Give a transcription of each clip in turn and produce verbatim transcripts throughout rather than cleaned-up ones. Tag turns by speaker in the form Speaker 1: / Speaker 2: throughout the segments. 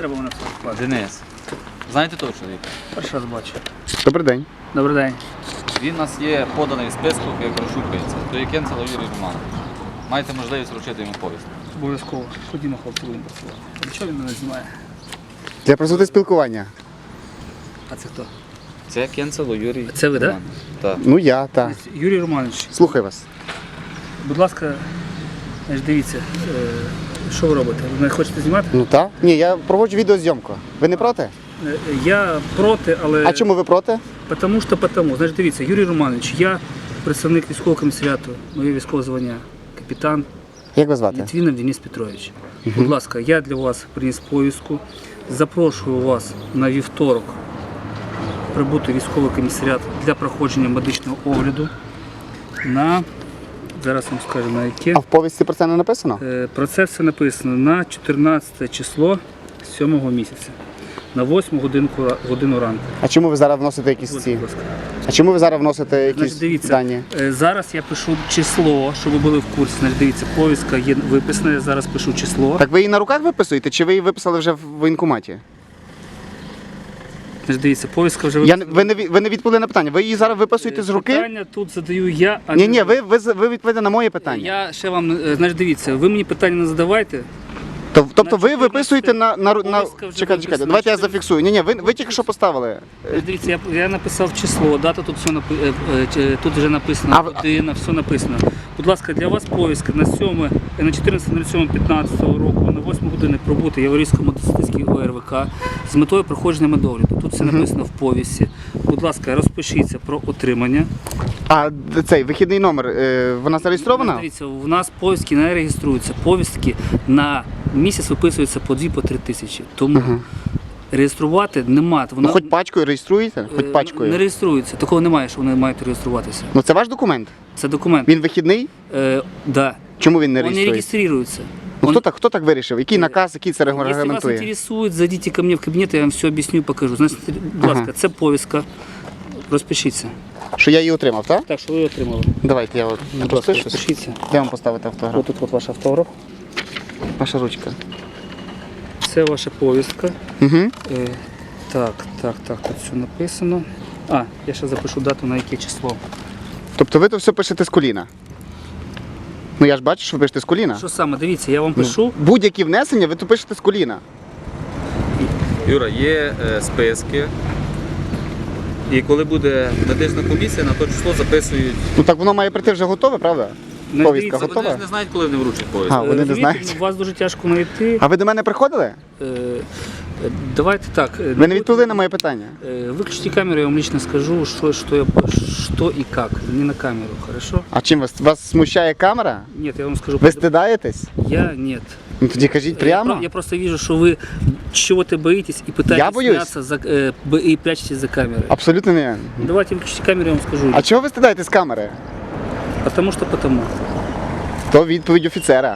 Speaker 1: треба мене вкладати.
Speaker 2: Денис. Знаєте того чоловіка?
Speaker 1: Перший раз бачу.
Speaker 3: Добрий день.
Speaker 1: Добрий день.
Speaker 2: Він у нас є поданий в списку, як розшукується. То є Кенцело Юрій Романович. Маєте можливість вручити йому повістку.
Speaker 1: Обов'язково. Ходімо, хлопці, будемо працювати. А чого він мене знімає?
Speaker 3: Для присутності спілкування.
Speaker 1: А це хто?
Speaker 2: Це Кенцело Юрій.
Speaker 1: Це ви, да?
Speaker 2: Романович. Так.
Speaker 3: Ну я, так.
Speaker 1: Юрій Романович,
Speaker 3: Слухаю вас.
Speaker 1: будь ласка, значить, дивіться, е, що ви робите? Ви мене хочете знімати?
Speaker 3: Ну так. Ні, я проводжу відеозйомку. Ви не проти?
Speaker 1: Е, Я проти, але...
Speaker 3: А чому ви проти?
Speaker 1: Потому що потому. Значить, дивіться, Юрій Романович, я представник військового комісаріату, моє військове звання, капітан
Speaker 3: Як вас звати?
Speaker 1: Літвінов Денис Петрович. Будь ласка, я для вас приніс повістку. Запрошую вас на вівторок прибути в військовий комісаріат для проходження медичного огляду на, зараз вам скажу на яке.
Speaker 3: А в повісті про це не написано?
Speaker 1: Е, Про це все написано на чотирнадцяте число сьомого місяця, на восьму годинку, годину ранку.
Speaker 3: А чому ви зараз вносите якісь
Speaker 1: Будь
Speaker 3: ці?
Speaker 1: ласка.
Speaker 3: А чому ви зараз вносите якісь
Speaker 1: Значить, дивіться,
Speaker 3: дані?
Speaker 1: е, зараз я пишу число, щоб ви були в курсі. Значить, дивіться, повістка є виписана, я зараз пишу число.
Speaker 3: Так ви її на руках виписуєте, чи ви її виписали вже в воєнкоматі?
Speaker 1: Значить, дивіться, повістка вже
Speaker 3: Я,
Speaker 1: виписана.
Speaker 3: не- ви, не, ві- ви не відповіли на питання. Ви її зараз виписуєте з руки?
Speaker 1: Питання тут задаю я, а
Speaker 3: Ні,
Speaker 1: не
Speaker 3: ні,
Speaker 1: ви.
Speaker 3: ви, ви, з- ви відповідаєте на моє питання.
Speaker 1: Я ще вам, е, значить, дивіться, ви мені питання не задавайте.
Speaker 3: Тоб- Тобто
Speaker 1: на
Speaker 3: ви
Speaker 1: чотирнадцяте
Speaker 3: виписуєте на... на, на...
Speaker 1: повістка вже
Speaker 3: Чекайте, чекайте,
Speaker 1: виписана.
Speaker 3: давайте я
Speaker 1: Чотирнадцяте
Speaker 3: зафіксую. Ні, ні, ви, ви тільки що поставили.
Speaker 1: Значить, дивіться, я, я написав число, дата тут все напи... е, е, ч- тут вже написано,
Speaker 3: А ви-
Speaker 1: година, все написано. Будь ласка, для вас повістка на сьоме, на чотирнадцяте сьоме п'ятнадцятого року на восьму години пробути Яворівському мотоциклістській О Р В К з метою проходження медогляду. Тут все написано в повісті. Будь ласка, розпишіться про отримання.
Speaker 3: А д- цей вихідний номер, е, вона зареєстрована?
Speaker 1: Дивіться, у нас повістки не реєструються. Повістки на місяць виписуються по дві, по три тисячі. Тому реєструвати немає.
Speaker 3: Ну,
Speaker 1: Вона
Speaker 3: хоч пачкою реєструєте? Хоч
Speaker 1: е,
Speaker 3: пачкою.
Speaker 1: не реєструється. Такого немає, що вони мають реєструватися.
Speaker 3: Ну це ваш документ?
Speaker 1: Це документ.
Speaker 3: Він вихідний?
Speaker 1: Е, да.
Speaker 3: Чому він не
Speaker 1: Он не
Speaker 3: реєструється?
Speaker 1: регистрируется.
Speaker 3: Ну,
Speaker 1: Он-
Speaker 3: хто так, хто так вирішив? Який наказ, який це
Speaker 1: Если вас
Speaker 3: регламентує?
Speaker 1: интересует, зайдите ко мне в кабинет, я вам все объясню и покажу. Значить, будь ласка, це повістка. Розпишіться.
Speaker 3: Що я її отримав, так?
Speaker 1: Так, що ви отримали?
Speaker 3: Давайте я от
Speaker 1: Будь ласка,
Speaker 3: розпишусь.
Speaker 1: розпишіться.
Speaker 3: Де вам поставити автограф?
Speaker 1: Ось тут от ваш автограф.
Speaker 3: Ваша ручка.
Speaker 1: Це ваша повістка.
Speaker 3: Угу.
Speaker 1: Е, так, так, так, тут все написано. А, я ще запишу дату, на яке число.
Speaker 3: Тобто ви то все пишете з коліна? Ну я ж бачу, що ви пишете з коліна.
Speaker 1: Що саме, дивіться, я вам пишу.
Speaker 3: Будь-які внесення ви то пишете з коліна.
Speaker 2: Юра, є е, списки. І коли буде медична комісія, на то число записують.
Speaker 3: Ну так воно має прийти вже готове, правда?
Speaker 1: Ну,
Speaker 3: Повістка
Speaker 1: дивіться,
Speaker 2: Вони
Speaker 3: готова?
Speaker 2: ж не знають, коли вони вручать повістку.
Speaker 3: А, вони не
Speaker 1: Розумієте,
Speaker 3: знають.
Speaker 1: Вас дуже тяжко знайти.
Speaker 3: А ви до мене приходили?
Speaker 1: Е, е, давайте так. е,
Speaker 3: Ви не відповіли на моє питання.
Speaker 1: Э, Выключите камеру, я вам лично скажу, что, что, я, что и как. Не на камеру, хорошо?
Speaker 3: А чим вас? Вас смущає камера?
Speaker 1: Нет, я вам скажу.
Speaker 3: Ви стидаєтесь?
Speaker 1: Я нет.
Speaker 3: Ну тоді кажіть
Speaker 1: Я,
Speaker 3: прямо.
Speaker 1: про- я просто вижу, что вы чего-то боитесь и пытаетесь
Speaker 3: Я боюсь?
Speaker 1: сняться за, э, б- и прячетесь за камерой.
Speaker 3: Абсолютно не.
Speaker 1: Давайте выключите камеру, я вам скажу.
Speaker 3: А чого ви стидаєтесь камери?
Speaker 1: Потому что потому.
Speaker 3: То відповідь офіцера.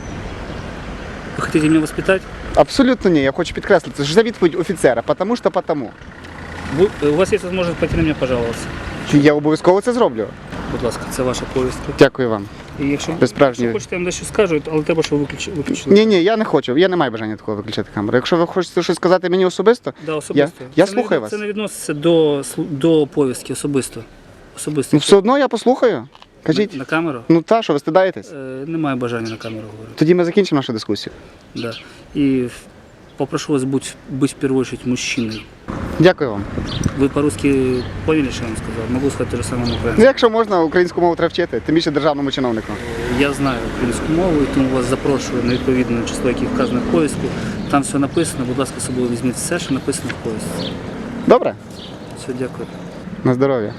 Speaker 1: Вы хотите меня воспитать?
Speaker 3: Абсолютно ні, я хочу підкреслити, що це відповідь офіцера, потому що потому.
Speaker 1: Вы, э, у вас есть возможность пойти на меня пожаловаться.
Speaker 3: Я обов'язково це зроблю.
Speaker 1: Будь ласка, це ваша повістка.
Speaker 3: Дякую вам.
Speaker 1: І якщо,
Speaker 3: Ви справжній.
Speaker 1: якщо хочете, я вам дещо скажу, але треба, щоб ви виключ- виключили.
Speaker 3: Ні, ні, я не хочу. Я не маю бажання такого виключати камеру. Якщо ви хочете щось сказати мені особисто,
Speaker 1: Да, особисто.
Speaker 3: Я- я
Speaker 1: Це
Speaker 3: слухаю
Speaker 1: не,
Speaker 3: вас.
Speaker 1: Це не відноситься до, слу- до повістки особисто. Особисто.
Speaker 3: ну все одно я послухаю. Кажіть.
Speaker 1: На, на камеру?
Speaker 3: Ну та, що ви стидаєтесь?
Speaker 1: Е, немає бажання на камеру говорити.
Speaker 3: Тоді ми закінчимо нашу дискусію.
Speaker 1: Да. І в- попрошу вас бути, бути в першу чергу мужчиною.
Speaker 3: Дякую вам.
Speaker 1: Ви по-русски поняли, що я вам сказав? Могу сказати те ж саме на
Speaker 3: Ну,
Speaker 1: українському.
Speaker 3: якщо можна, українську мову треба вчити, тим більше державному чиновнику.
Speaker 1: Я знаю українську мову, і тому вас запрошую на відповідне число, яке вказано в повістку. Там все написано, будь ласка, з собою візьміть все, що написано в повістці.
Speaker 3: Добре?
Speaker 1: Все, дякую.
Speaker 3: На здоров'я.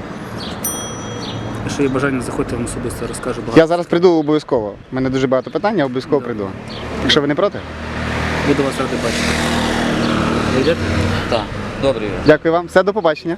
Speaker 1: Якщо є бажання, заходьте, я вам особисто розкажу багато.
Speaker 3: Я зараз прийду обов'язково. У мене дуже багато питань, я обов'язково прийду. Якщо ви не проти?
Speaker 1: Буду вас радий бачити. Ви йдете?
Speaker 2: Так, добре, Юра.
Speaker 3: Дякую вам. Все, до побачення.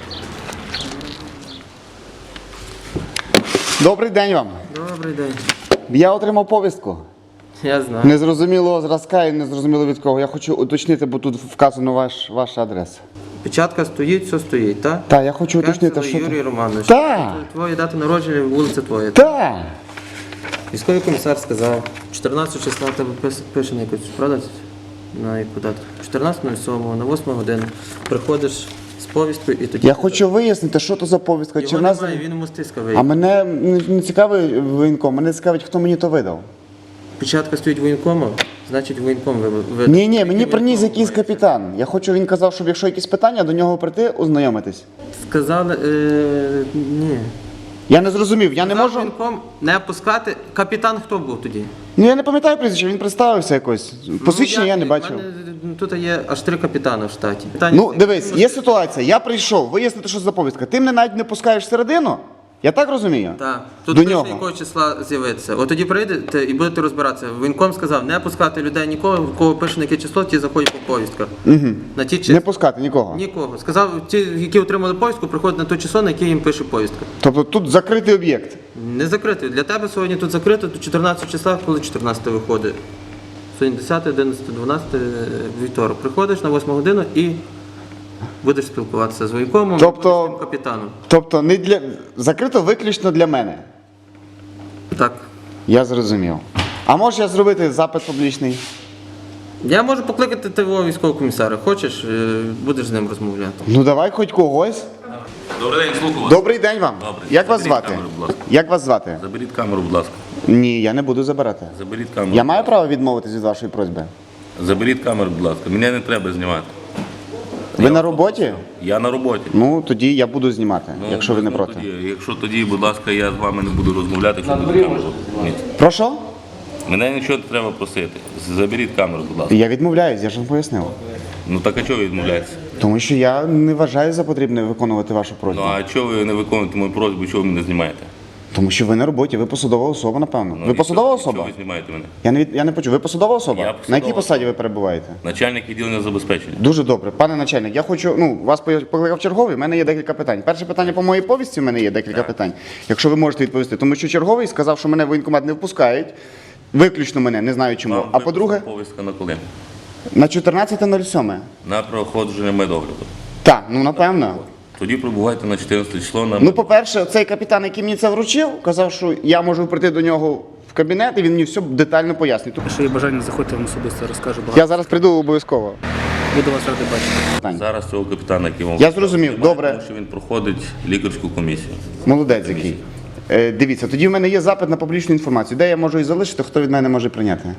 Speaker 3: Добрий день вам.
Speaker 4: Добрий день.
Speaker 3: Я отримав повістку.
Speaker 4: Я знаю.
Speaker 3: Незрозумілого зразка і незрозуміло від кого. Я хочу уточнити, бо тут вказано ваш, ваша адреса.
Speaker 4: Печатка стоїть, все стоїть, так?
Speaker 3: Так, я хочу уточнити,
Speaker 4: Кенцело
Speaker 3: що
Speaker 4: Юрій
Speaker 3: там.
Speaker 4: Романович.
Speaker 3: Так.
Speaker 4: Твоя дата народження, вулиця твоя.
Speaker 3: Так.
Speaker 4: Військовий комісар сказав, чотирнадцятого числа в тебе пис- пише на якусь, правда? на яку дату? чотирнадцятого сьомого на восьму годину. Приходиш з повісткою і тоді...
Speaker 3: Я хочу вияснити, що то за повістка. Чи
Speaker 4: Його
Speaker 3: в нас...
Speaker 4: немає, він у мостиська
Speaker 3: А
Speaker 4: виїхав.
Speaker 3: мене не, не цікавий воєнком, мене цікавить, хто мені то видав.
Speaker 4: Печатка стоїть воєнкома, значить воєнком ви... ви...
Speaker 3: Ні, ні, мені
Speaker 4: Тільки
Speaker 3: приніс
Speaker 4: воєнком
Speaker 3: якийсь
Speaker 4: має.
Speaker 3: капітан. Я хочу, він казав, щоб якщо якісь питання, до нього прийти, ознайомитись.
Speaker 4: Сказали, е... ні.
Speaker 3: Я не зрозумів, я не
Speaker 4: Сказав
Speaker 3: можу.
Speaker 4: воєнком не пускати. Капітан хто був тоді?
Speaker 3: Ну я не пам'ятаю прізвище, він представився якось. Посвідчення
Speaker 4: Ну,
Speaker 3: я не
Speaker 4: в
Speaker 3: бачив.
Speaker 4: мене Тут є аж три капітани в штаті. Питання
Speaker 3: Ну,
Speaker 4: це-
Speaker 3: дивись, є ситуація. Я прийшов вияснити, що за повістка. Ти мене навіть не пускаєш всередину. Я так розумію?
Speaker 4: Так, тут
Speaker 3: До
Speaker 4: пише,
Speaker 3: нього.
Speaker 4: якого числа з'явитися. От тоді прийдете і будете розбиратися. Воєнком сказав, не пускати людей нікого, в кого пише на яке число, ті заходять по повістках.
Speaker 3: Угу.
Speaker 4: На ті
Speaker 3: Не
Speaker 4: числа.
Speaker 3: пускати нікого.
Speaker 4: Нікого. Сказав, ті, які отримали повістку, приходять на те число, на яке їм пише повістка.
Speaker 3: Тобто тут закритий об'єкт.
Speaker 4: Не закритий. Для тебе сьогодні тут закрито до чотирнадцятого числа, коли чотирнадцяте виходить. Сьогодні десяте, одинадцяте, дванадцяте, вівторок. Приходиш на восьму годину і будеш спілкуватися з воєнкомом,
Speaker 3: Тобто-
Speaker 4: і будеш з тим капітаном.
Speaker 3: Тобто не для закрито виключно для мене.
Speaker 4: Так.
Speaker 3: Я зрозумів. А можу я зробити запит публічний?
Speaker 4: Я можу покликати твого військового комісара. Хочеш, е, будеш з ним розмовляти.
Speaker 3: Ну давай хоч когось.
Speaker 2: Добрий день, слухаю вас.
Speaker 3: Добрий день вам.
Speaker 2: Добрий.
Speaker 3: Як вас
Speaker 2: Заберіть
Speaker 3: звати?
Speaker 2: камеру, будь ласка.
Speaker 3: Як вас звати?
Speaker 2: Заберіть камеру, будь ласка.
Speaker 3: Ні, я не буду забирати.
Speaker 2: Заберіть камеру.
Speaker 3: Я маю право відмовитись від вашої просьби.
Speaker 2: Заберіть камеру, будь ласка. Мене не треба знімати.
Speaker 3: Ви на роботі?
Speaker 2: Я на роботі.
Speaker 3: Ну тоді я буду знімати,
Speaker 2: Ну,
Speaker 3: якщо ви не
Speaker 2: ну,
Speaker 3: проти.
Speaker 2: Тоді, якщо тоді, будь ласка, я з вами не буду розмовляти, якщо буде камеру. Ні.
Speaker 3: Прошу?
Speaker 2: Мене нічого не треба просити. Заберіть камеру, будь ласка.
Speaker 3: Я відмовляюсь, я ж вам пояснив.
Speaker 2: Ну так а чого ви відмовляєтеся?
Speaker 3: Тому що я не вважаю за потрібне виконувати вашу
Speaker 2: Ну
Speaker 3: просьбу.
Speaker 2: а чого ви не виконуєте мою просьбу, чого ви мене знімаєте?
Speaker 3: Тому що ви на роботі, ви посадова особа, напевно.
Speaker 2: Ну,
Speaker 3: ви
Speaker 2: і
Speaker 3: посадова
Speaker 2: що-
Speaker 3: особа?
Speaker 2: Чого ви знімаєте мене?
Speaker 3: Я не від... я не почув. Ви посадова особа?
Speaker 2: Я
Speaker 3: На
Speaker 2: посадова
Speaker 3: якій посаді
Speaker 2: особа.
Speaker 3: ви перебуваєте?
Speaker 2: Начальник відділення забезпечення.
Speaker 3: Дуже добре. Пане начальник, я хочу, ну, вас покликав черговий, в мене є декілька питань. Перше питання по моїй повісті, в мене є декілька питань. Якщо ви можете відповісти. Тому що черговий сказав, що мене в воєнкомат не впускають. Виключно мене, не знаю чому.
Speaker 2: Вам
Speaker 3: А по-друге,
Speaker 2: виписана повістка на коли?
Speaker 3: на чотирнадцяте нуль сьоме.
Speaker 2: На проходження медогляду.
Speaker 3: Так, ну напевно.
Speaker 2: Тоді прибувайте на чотирнадцяте число на
Speaker 3: Ну, по-перше, цей капітан, який мені це вручив, казав, що я можу прийти до нього в кабінет, і він мені все детально пояснить.
Speaker 1: Якщо є бажання, заходьте, я вам особисто розкажу багато.
Speaker 3: Я зараз прийду обов'язково.
Speaker 1: Буду вас радий бачити.
Speaker 2: Зараз цього капітана, який вам
Speaker 3: Я зрозумів,
Speaker 2: немає,
Speaker 3: добре.
Speaker 2: Тому що він проходить лікарську комісію.
Speaker 3: Молодець який. Е, дивіться, тоді в мене є запит на публічну інформацію. Де я можу її залишити, хто від мене може прийняти?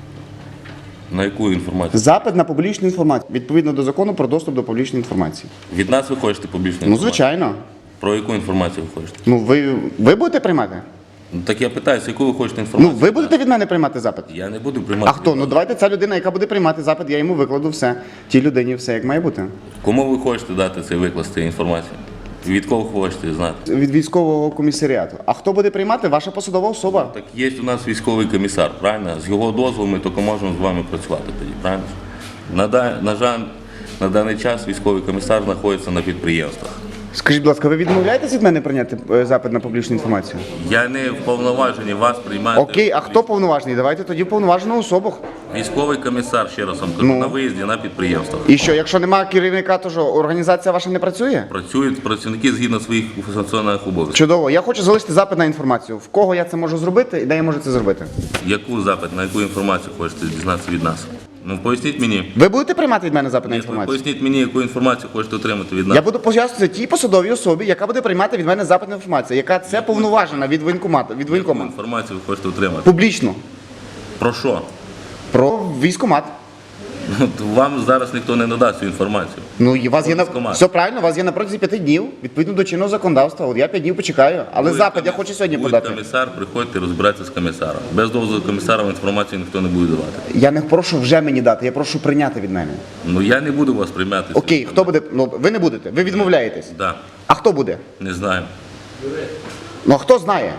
Speaker 2: На яку інформацію?
Speaker 3: Запит на публічну інформацію, відповідно до закону про доступ до публічної інформації.
Speaker 2: Від нас ви хочете публічну
Speaker 3: Ну,
Speaker 2: інформацію?
Speaker 3: звичайно.
Speaker 2: Про яку інформацію ви хочете?
Speaker 3: Ну, ви, ви будете приймати?
Speaker 2: Ну так я питаюся, яку ви хочете
Speaker 3: Ну,
Speaker 2: інформацію?
Speaker 3: ви будете від мене приймати запит?
Speaker 2: Я не буду приймати.
Speaker 3: А хто? Ну, давайте ця людина, яка буде приймати запит, я йому викладу все. Тій людині все, як має бути.
Speaker 2: Кому ви хочете дати цей викласти інформацію? Від кого хочете знати?
Speaker 3: Від військового комісаріату. А хто буде приймати? Ваша посадова особа.
Speaker 2: Так є у нас військовий комісар, правильно? З його дозволу ми тільки можемо з вами працювати тоді, правильно? На, да- на жаль, на даний час військовий комісар знаходиться на підприємствах.
Speaker 3: Скажіть, будь ласка, ви відмовляєтесь від мене прийняти е, запит на публічну інформацію?
Speaker 2: Я не вповноважений вас приймати.
Speaker 3: Окей, а хто повноважений? Давайте тоді повноважену особу.
Speaker 2: Військовий комісар, ще раз вам кажу,
Speaker 3: Ну.
Speaker 2: на виїзді на підприємствах.
Speaker 3: І що, якщо немає керівника, то що, організація ваша не працює?
Speaker 2: Працюють працівники згідно своїх функціональних обов'язків.
Speaker 3: Чудово. Я хочу залишити запит на інформацію. В кого я це можу зробити і де я можу це зробити?
Speaker 2: Яку запит, на яку інформацію хочете дізнатися від нас? Ну поясніть мені.
Speaker 3: Ви будете приймати від мене запит на
Speaker 2: Ні,
Speaker 3: інформацію?
Speaker 2: Поясніть мені, яку інформацію хочете отримати від нас.
Speaker 3: Я буду пояснювати тій посадовій особі, яка буде приймати від мене запит на інформацію, яка це повноважена від воєнкомату, від
Speaker 2: Яку
Speaker 3: воєнкома.
Speaker 2: інформацію ви хочете отримати?
Speaker 3: Публічно.
Speaker 2: Про що?
Speaker 3: Про військкомат.
Speaker 2: От Вам зараз ніхто не надасть цю інформацію.
Speaker 3: Ну, і у вас є на
Speaker 2: Військкомат.
Speaker 3: все правильно, у вас є на протязі п'яти днів, відповідно до чинного законодавства. От я п'ять днів почекаю, але
Speaker 2: Буде
Speaker 3: запит я
Speaker 2: комі-
Speaker 3: хочу сьогодні
Speaker 2: буде
Speaker 3: подати.
Speaker 2: комісар, приходьте розбиратися з комісаром. Без дозволу комісара вам інформацію ніхто не буде давати.
Speaker 3: Я не прошу вже мені дати, я прошу прийняти від мене.
Speaker 2: Ну я не буду вас приймати.
Speaker 3: Окей, хто буде? Ну ви не будете, ви відмовляєтесь.
Speaker 2: Да,
Speaker 3: А хто буде?
Speaker 2: не знаю.
Speaker 3: Ну а хто знає?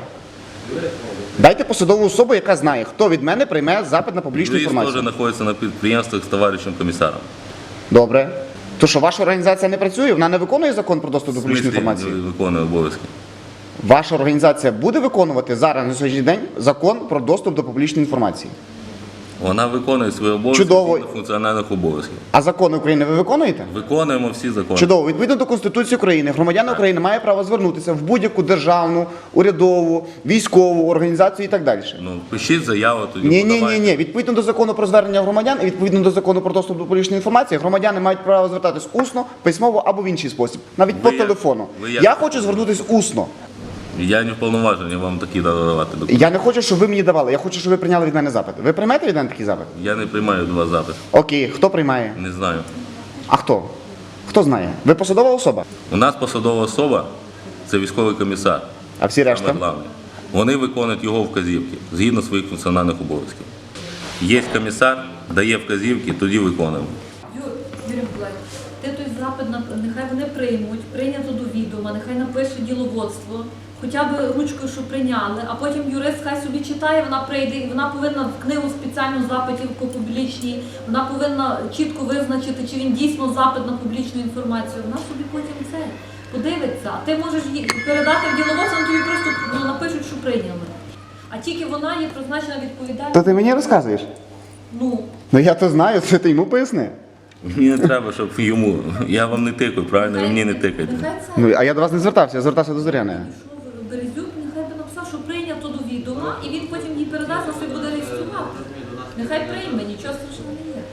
Speaker 3: Дайте посадову особу, яка знає, хто від мене прийме запит на публічну
Speaker 2: Юрист теж
Speaker 3: інформацію.
Speaker 2: знаходиться на підприємствах з товаришем комісаром.
Speaker 3: Добре. То що ваша організація не працює, вона не виконує закон про доступ до
Speaker 2: В
Speaker 3: публічної
Speaker 2: смислі
Speaker 3: інформації?
Speaker 2: виконує обов'язки.
Speaker 3: Ваша організація буде виконувати зараз на сьогоднішній день закон про доступ до публічної інформації?
Speaker 2: Вона виконує свої обов'язки
Speaker 3: Чудово.
Speaker 2: згідно функціональних обов'язків.
Speaker 3: А закони України ви виконуєте?
Speaker 2: Виконуємо всі закони.
Speaker 3: Чудово. Відповідно до Конституції України, громадяни України мають право звернутися в будь-яку державну, урядову, військову організацію і так далі.
Speaker 2: Ну, пишіть заяву, тоді
Speaker 3: Ні, ні, ні,
Speaker 2: подавайте.
Speaker 3: ні. Відповідно до закону про звернення громадян і відповідно до закону про доступ до публічної інформації, громадяни мають право звертатись усно, письмово або в інший спосіб, навіть по
Speaker 2: Ви як-
Speaker 3: телефону.
Speaker 2: ви як-
Speaker 3: Я хочу звернутися усно.
Speaker 2: Я не вповноважений вам такі давати документи.
Speaker 3: Я не хочу, щоб ви мені давали. Я хочу, щоб ви прийняли від мене запит. Ви приймете від мене такий запит?
Speaker 2: Я не приймаю від вас запит.
Speaker 3: Окей, хто приймає?
Speaker 2: Не знаю.
Speaker 3: А хто? Хто знає? Ви посадова особа?
Speaker 2: У нас посадова особа це військовий комісар.
Speaker 3: А всі решта?
Speaker 2: Саме головне. Вони виконують його вказівки згідно своїх функціональних обов'язків. Є комісар, дає вказівки, тоді виконуємо.
Speaker 5: Юр, Юрій Миколаївич, ти той запит, нап- нехай вони приймуть, прийнято до відома, нехай напише діловодство, хоча б ручкою, що прийняли, а потім юрист хай собі читає, вона прийде, і вона повинна в книгу спеціальну запитів по публічній, вона повинна чітко визначити, чи він дійсно запит на публічну інформацію. Вона собі потім це подивиться. А ти можеш їй передати в діловодство, вони тобі просто ну, напишуть, що прийняли. А тільки вона є призначена відповідальність.
Speaker 3: То ти мені розказуєш?
Speaker 5: Ну,
Speaker 3: Ну я то знаю, це ти йому поясни.
Speaker 2: Мені не треба, щоб йому. Я вам не тикаю, правильно? Ви мені не тикайте.
Speaker 5: нехай це.
Speaker 3: Ну а я до вас не звертався, я звертався до Зоряної.
Speaker 5: Що Березюк нехай би написав, що прийнято до відома, і він потім їй передасть, на собі буде реєструвати. Нехай прийме, нічого страшного не є.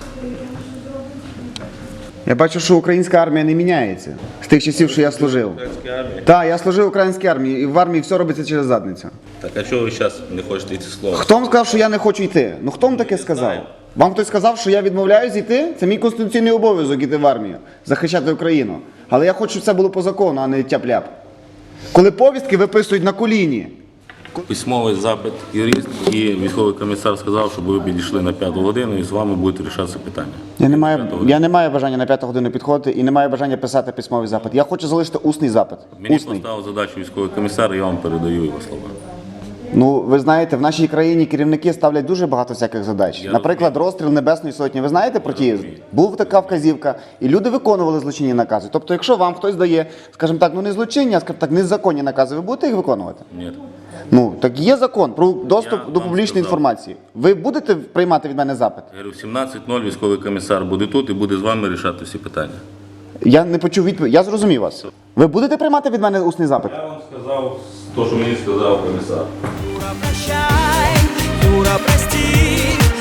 Speaker 3: Я бачу, що українська армія не міняється з тих часів, що я служив. Так, я служив в українській армії, і в армії все робиться через задницю.
Speaker 2: Так а чого ви зараз не хочете йти слово?
Speaker 3: Хто вам сказав, що я не хочу йти? Ну хто вам таке сказав? Вам хтось сказав, що я відмовляюсь йти? Це мій конституційний обов'язок іти в армію, захищати Україну. Але я хочу, щоб це було по закону, а не тяп-ляп. Коли повістки виписують на коліні.
Speaker 2: Письмовий запит юрист і військовий комісар сказав, щоб ви підійшли на п'яту годину і з вами будуть рішатися питання.
Speaker 3: Я не маю, я не маю бажання на п'яту годину підходити і не маю бажання писати письмовий запит. Я хочу залишити усний запит.
Speaker 2: Мені
Speaker 3: Усний.
Speaker 2: поставив задачу військовий комісар, і я вам передаю його слова.
Speaker 3: Ну, ви знаєте, в нашій країні керівники ставлять дуже багато всяких задач.
Speaker 2: Я
Speaker 3: Наприклад, розстріл Небесної Сотні. Ви знаєте про ті? Був така вказівка, і люди виконували злочинні накази. Тобто, якщо вам хтось дає, скажімо так, ну не злочинні, а скажімо так, незаконні накази, ви будете їх виконувати?
Speaker 2: Ні.
Speaker 3: Ну, так є закон про доступ
Speaker 2: Я
Speaker 3: до
Speaker 2: вам
Speaker 3: публічної
Speaker 2: сказав.
Speaker 3: інформації. Ви будете приймати від мене запит?
Speaker 2: Я говорю, в сімнадцять нуль військовий комісар буде тут і буде з вами рішати всі питання.
Speaker 3: Я не почув відповідь. Я зрозумів вас. Ви будете приймати від мене усний запит?
Speaker 2: Я вам сказав те, що мені сказав комісар.
Speaker 6: Юра, прощай, Юра, прости,